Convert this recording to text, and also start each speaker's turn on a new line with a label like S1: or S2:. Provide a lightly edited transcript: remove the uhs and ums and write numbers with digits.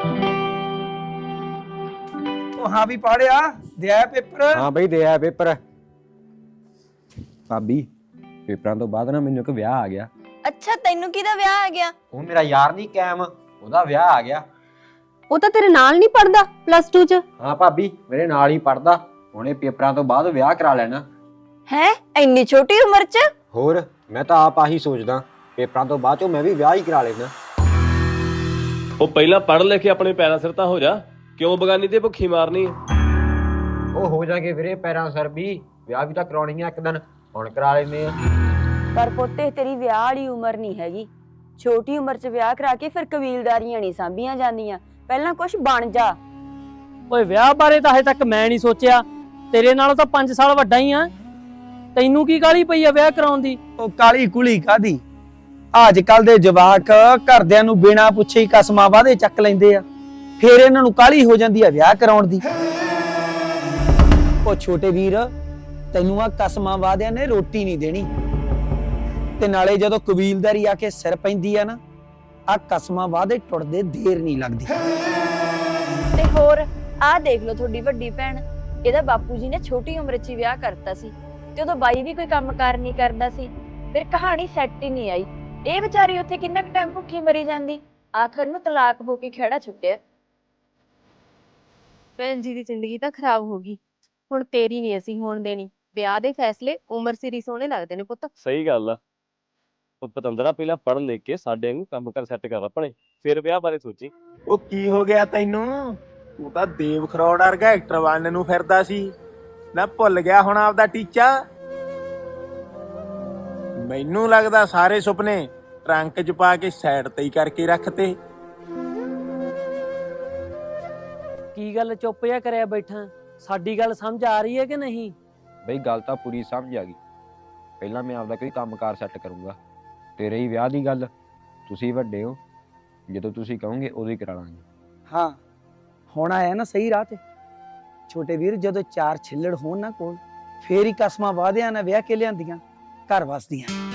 S1: हाँ भी पढ़िया दिया पेपर।
S2: हाँ बई दिया पेपर। भाभी पेपरां तो बाद ना मैनू एक विआह आ गया।
S3: अच्छा तैनू किहदा विआह आ गया?
S2: ਉਹ ਮੇਰਾ ਯਾਰ ਨਹੀਂ ਕੈਮ, ਉਹਦਾ ਵਿਆਹ ਆ ਗਿਆ।
S4: ਉਹ ਤਾਂ ਤੇਰੇ ਨਾਲ ਨਹੀਂ ਪੜਦਾ +2 ਚ।
S2: ਹਾਂ ਭਾਬੀ ਮੇਰੇ ਨਾਲ ਹੀ ਪੜਦਾ, ਉਹਨੇ ਪੇਪਰਾਂ ਤੋਂ ਬਾਅਦ ਵਿਆਹ ਕਰਾ ਲੈਣਾ।
S3: ਹੈ ਇੰਨੀ ਛੋਟੀ ਉਮਰ ਚ?
S2: ਹੋਰ ਮੈਂ ਤਾਂ ਆਪ ਆਹੀ ਸੋਚਦਾ, ਪੇਪਰਾਂ ਤੋਂ ਬਾਅਦ ਚੋਂ ਮੈਂ ਵੀ ਵਿਆਹ ਹੀ ਕਰਾ ਲੈਣਾ।
S5: ਉਹ ਪਹਿਲਾਂ ਪੜ੍ਹ ਲੈ ਕੇ ਆਪਣੇ ਪੈਰਾਂ ਸਿਰ ਤਾਂ ਹੋ ਜਾ, ਕਿਉਂ ਬਗਾਨੀ ਤੇ ਭੁੱਖੀ ਮਾਰਨੀ?
S2: ਉਹ ਹੋ ਜਾਗੇ ਵੀਰੇ ਪੈਰਾਂ ਸਿਰ ਵੀ, ਵਿਆਹ ਵੀ ਤਾਂ ਕਰਾਉਣੀ ਆ ਇੱਕ ਦਿਨ, ਹੁਣ ਕਰਾ ਲੈਂਦੇ ਆ।
S3: ਪਰ ਪੁੱਤੇ ਤੇਰੀ ਵਿਆਹ ਵਾਲੀ ਉਮਰ ਨਹੀਂ ਹੈਗੀ। ਛੋਟੀ ਉਮਰ ਚ ਵਿਆਹ ਕਰਾ ਕੇ ਫਿਰ ਕਬੀਲਦਾਰੀਆਂ ਨਹੀਂ ਸਾਂਭੀਆਂ ਜਾਂਦੀਆਂ, ਪਹਿਲਾਂ ਕੁਝ ਬਣ ਜਾ।
S6: ਓਏ ਵਿਆਹ ਬਾਰੇ ਤਾਂ ਹਜੇ ਤੱਕ ਮੈਂ ਨਹੀਂ ਸੋਚਿਆ, ਤੇਰੇ ਨਾਲੋਂ ਤਾਂ 5 ਸਾਲ ਵੱਡਾ ਹੀ ਆ। ਤੈਨੂੰ ਕੀ ਕਾਹਲੀ ਪਈ ਆ ਵਿਆਹ ਕਰਾਉਣ ਦੀ?
S1: ਉਹ ਕਾਲੀ ਕੁਲੀ ਕਾਦੀ, ਅੱਜ ਕੱਲ ਦੇ ਜਵਾਕ ਘਰਦਿਆਂ ਨੂੰ ਬਿਨਾਂ ਪੁੱਛੇ ਹੀ ਕਸਮਾਂ ਵਾਅਦੇ ਚੱਕ ਲੈਂਦੇ ਆ, ਫਿਰ ਇਹਨਾਂ ਨੂੰ ਕਾਲੀ ਹੋ ਜਾਂਦੀ ਆ ਵਿਆਹ ਕਰਾਉਣ ਦੀ। ਉਹ ਛੋਟੇ ਵੀਰ ਤੈਨੂੰ ਆ ਕਸਮਾਂ ਵਾਅਦਿਆਂ ਨੇ ਰੋਟੀ ਨਹੀਂ ਦੇਣੀ, ਤੇ ਨਾਲੇ ਜਦੋਂ ਕਬੀਲਦਾਰੀ ਆ ਕੇ ਸਿਰ ਪੈਂਦੀ ਆ ਨਾ, ਆ ਕਸਮਾਂ ਵਾਅਦੇ ਟੁੱਟਦੇ ਦੇਰ ਨਹੀਂ ਲੱਗਦੀ।
S3: ਤੇ ਹੋਰ ਆਹ ਦੇਖ ਲਓ ਤੁਹਾਡੀ ਵੱਡੀ ਭੈਣ, ਇਹਦਾ ਬਾਪੂ ਜੀ ਨੇ ਛੋਟੀ ਉਮਰ 'ਚ ਹੀ ਵਿਆਹ ਕਰਤਾ ਸੀ, ਤੇ ਉਦੋਂ ਬਾਈ ਵੀ ਕੋਈ ਕੰਮਕਾਰ ਨਹੀਂ ਕਰਦਾ ਸੀ, ਫਿਰ ਕਹਾਣੀ ਸੈੱਟ ਹੀ ਨਹੀਂ ਆਈ। ਇਹ ਵਿਚਾਰੀ ਉੱਥੇ ਕਿੰਨਾ ਕੁ ਟਾਈਮ ਭੁੱਖੀ ਮਰੀ ਜਾਂਦੀ, ਆਖਰ ਨੂੰ ਤਲਾਕ ਹੋ ਕੇ ਖਹਿੜਾ ਛੁੱਟਿਆ।
S4: ਭੈਣ ਜੀ ਦੀ ਜ਼ਿੰਦਗੀ ਤਾਂ ਖਰਾਬ ਹੋ ਗਈ, ਹੁਣ ਤੇਰੀ ਨਹੀਂ ਅਸੀਂ ਹੋਣ ਦੇਣੀ। ਵਿਆਹ ਦੇ ਫੈਸਲੇ ਉਮਰ ਸਿਰ ਹੀ ਸੋਹਣੇ ਲੱਗਦੇ ਨੇ ਪੁੱਤ।
S5: ਸਹੀ ਗੱਲ ਆ। ਉਹ ਪਤੰਦਰਾ ਪਹਿਲਾਂ ਪੜ੍ਹ ਲਿਖ ਕੇ ਸਾਡੇ ਵਾਂਗੂ ਕੰਮ ਕਰ ਸੈੱਟ ਕਰ ਆਪਣੇ, ਫਿਰ ਵਿਆਹ ਬਾਰੇ ਸੋਚੀ।
S7: ਉਹ ਕੀ ਹੋ ਗਿਆ ਤੈਨੂੰ? ਤੂੰ ਤਾਂ ਦੇਵ ਖਰੋੜ ਵਰਗਾ ਐਕਟਰ ਬਣਨ ਨੂੰ ਫਿਰਦਾ ਸੀ ਨਾ, ਭੁੱਲ ਗਿਆ ਹੁਣ ਆਪਦਾ ਟੀਚਾ? ਮੈਨੂੰ ਲੱਗਦਾ ਸਾਰੇ ਸੁਪਨੇ ਟਰੰਕ 'ਚ ਪਾ ਕੇ ਸਾਈਡ ਤੇ ਹੀ ਕਰਕੇ ਰੱਖਤੇ।
S6: ਕੀ ਗੱਲ ਚੁੱਪ ਜਿਹਾ ਕਰਿਆ ਬੈਠਾ? ਸਾਡੀ ਗੱਲ ਸਮਝ ਆ ਰਹੀ ਹੈ ਕਿ ਨਹੀਂ?
S2: ਬਈ ਗੱਲ ਤਾਂ ਪੂਰੀ ਸਮਝ ਆ ਗਈ, ਪਹਿਲਾਂ ਮੈਂ ਆਪਦਾ ਕੋਈ ਕੰਮਕਾਰ ਸੈੱਟ ਕਰੂੰਗਾ, ਤੇ ਰਹੀ ਵਿਆਹ ਦੀ ਗੱਲ, ਤੁਸੀਂ ਵੱਡੇ ਹੋ, ਜਦੋਂ ਤੁਸੀਂ ਕਹੋਗੇ ਉਦੋਂ ਹੀ ਕਰਾ ਲਾਂਗੇ।
S1: ਹਾਂ ਹੁਣ ਆਇਆ ਨਾ ਸਹੀ ਰਾਹ ਤੇ ਛੋਟੇ ਵੀਰ, ਜਦੋਂ 4 ਛਿੱਲੜ ਹੋਣ ਨਾ ਕੋਲ, ਫੇਰ ਹੀ ਕਸਮਾਂ ਵਾਅਦਿਆਂ ਨਾਲ ਵਿਆਹ ਕੇ ਲਿਆਂਦੀਆਂ ਘਰ ਵਸਦੀਆਂ।